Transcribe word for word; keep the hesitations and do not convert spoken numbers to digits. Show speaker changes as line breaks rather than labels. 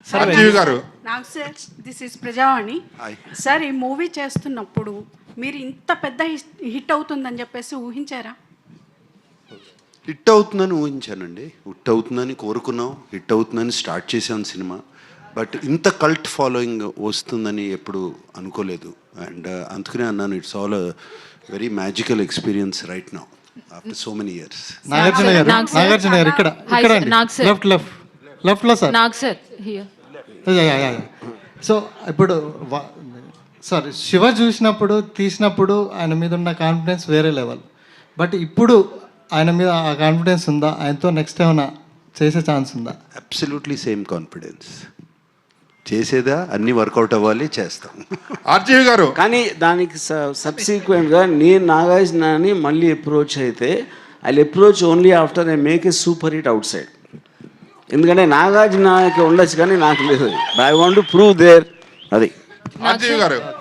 RGV గారు.
నాకు sir this is Prajavani
Hi.
Sir. ఈ మూవీ చేస్తున్నప్పుడు మీరు ఇంత పెద్ద హిట్ అవుతుందని చెప్పేసి ఊహించారా?
హిట్ అవుతుందని ఊహించానండి, హిట్ అవుతుందని కోరుకున్నాం, హిట్ అవుతుందని స్టార్ట్ చేసాం సినిమా. బట్ ఇంత కల్ట్ ఫాలోయింగ్ వస్తుందని ఎప్పుడు అనుకోలేదు. అండ్ అందుకనే అన్నాను, it's all very magical experience right now after so many years.
Nagarjuna గారు, నాగార్జున గారు ఇక్కడ ఇక్కడ లెఫ్ట్ లెఫ్ట్ లెఫ్ట్ లో సార్.
నాకు సార్ హియర్.
సో ఇప్పుడు సార్ శివ చూసినప్పుడు తీసినప్పుడు ఆయన మీద ఉన్న కాన్ఫిడెన్స్ వేరే లెవెల్. బట్ ఇప్పుడు ఆయన మీద ఆ కాన్ఫిడెన్స్ ఉందా? ఆయనతో నెక్స్ట్ ఏమైనా చేసే ఛాన్స్ ఉందా?
Absolutely same confidence. చేసేదా అన్ని వర్కౌట్ అవ్వాలి, చేస్తాం.
ఆర్జీవి గారు.
కానీ దానికి సబ్సిక్వెంట్గా నేను నాగార్జునని మళ్ళీ అప్రోచ్ అయితే I approach only after I make a super hit outside. ఎందుకంటే నాగార్జునకి ఉండొచ్చు కానీ నాకు లేదు. I want to prove there. అది
ఆర్జీవి గారు.